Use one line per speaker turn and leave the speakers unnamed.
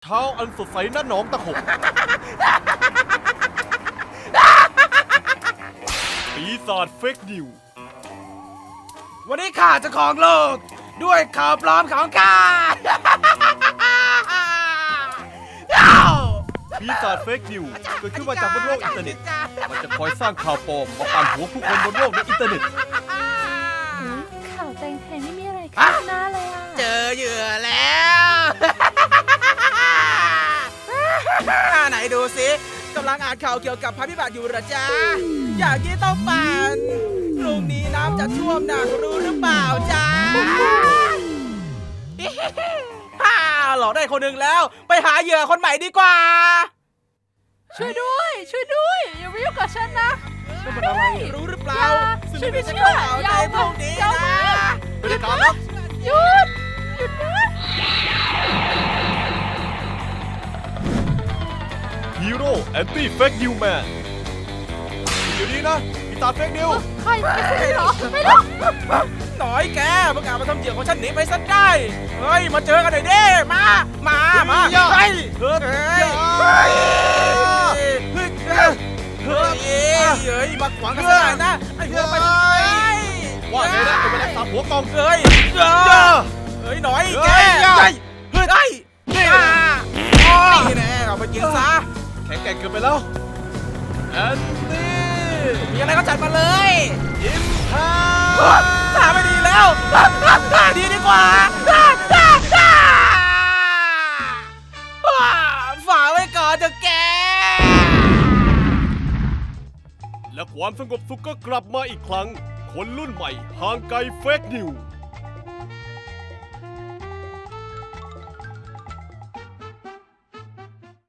ช้าอันสดใสณหนองตะขบปีศาจเฟกนิว
วันนี้ข้าจะครองโลกด้วยข่าวปลอมของข้า
ปีศาจเฟกนิวเกิดขึ้นมาจากบนโลกอินเทอร์เน็ตมันจะคอยสร้างข่าวปลอมมาปั่นหัวผู้คนบนโลกในอินเทอร์เน็ต
ข่าวแตงแทงไม่มีอะไรขึ้นหน้าเลยอ่ะ
เจอเหยื่อแล้ว ไหนดูสิกำลังอ่านข่าวเกี่ยวกับภัยพิบัติอยู่เหรอจ๊ะอย่างนี้ต้องปั่นพรุ่งนี้น้ำจะท่วมหนักรู้หรือเปล่าจ๊ะ หลอกได้คนหนึ่งแล้วไปหาเหยื่อคนใหม่ดีกว่า
ช่วยด้วยอย่ามายุ่งกับฉันนะ
นั่นมันอะไร
รู้หรือเปล่า
ฉั
ซึ่
น
ง
ไม่
ไม่
เชื่
ใช่
อ
ข่าว
อย่า
ใน
เอา
พวกนี้
อย่า
นะ
ไม่ได้การแล้ว
หยุดนะ
ฮีโร่แอนตี้เฟกนิวแมนอยู่นี่นะปีศาจเฟกนิว
ใครไม่ใช่เหรอไม่ต้อง
หน่อยแกประกาศมาทำเหยื่อของฉันหนีไปซะได้ เฮ้ยมาเจอกันหน่อยดิมาเฮ้ย
เฮ้ย
เฮ้ยมาขวางกันซะหน่อยนะไอ้หัวไป
ว่าไงนะเป็นแมลงสาบหัวกอง
เฮ้ยหน่อยแกนี่แน่เอาไปกินซะ
แข็งแกร่งเกินไปแล้วแอนตี้
มีอะไรก็จัดมาเลย
อิมพา
ถ้าไม่ดีแล้วดีดีกว่าฝากไว้ก่อนเถอะแก
และความสงบสุขก็กลับมาอีกครั้ง คนรุ่นใหม่ห่างไกลเฟกนิว